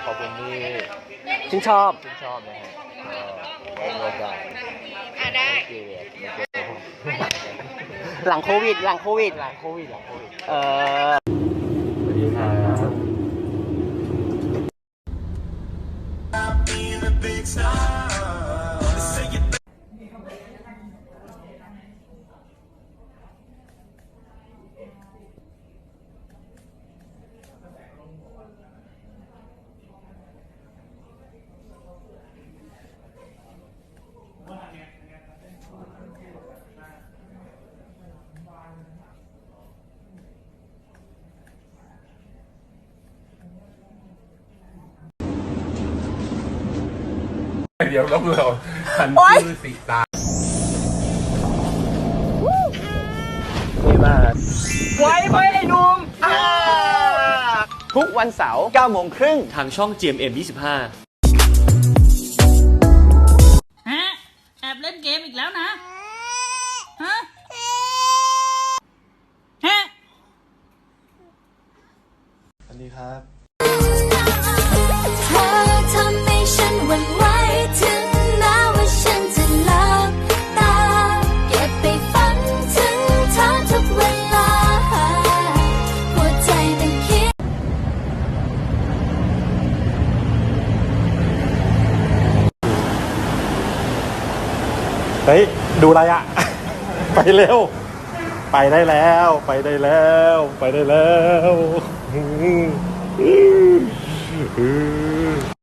ขอบคุณที่ชื่นชอบชื่นชอบนะฮะไว้มีโอกาสได้เกลียดมาเจอผมหลังโควิดหลังโควิดเออสวัสดีครับเดี๋ยวเราหันชื่อสีตานี่มากไว้ไอ้หนุ่มทุกวันเสาร์9 โมงครึ่งทางช่อง GMM 25 ฮะแอบเล่นเกมอีกแล้วนะ ฮะ ฮะสวัสดีครับเธอทำให้ฉันหวั่นไหวถึงแม้ว่าฉันจะหลับตาเก็บไปฝันถึงเธอทุกเวลาหัวใจมันคิดเฮ้ย ดูอะไรอ่ะ ไปเร็ว ไปได้แล้ว ไปได้แล้ว ไปได้แล้ว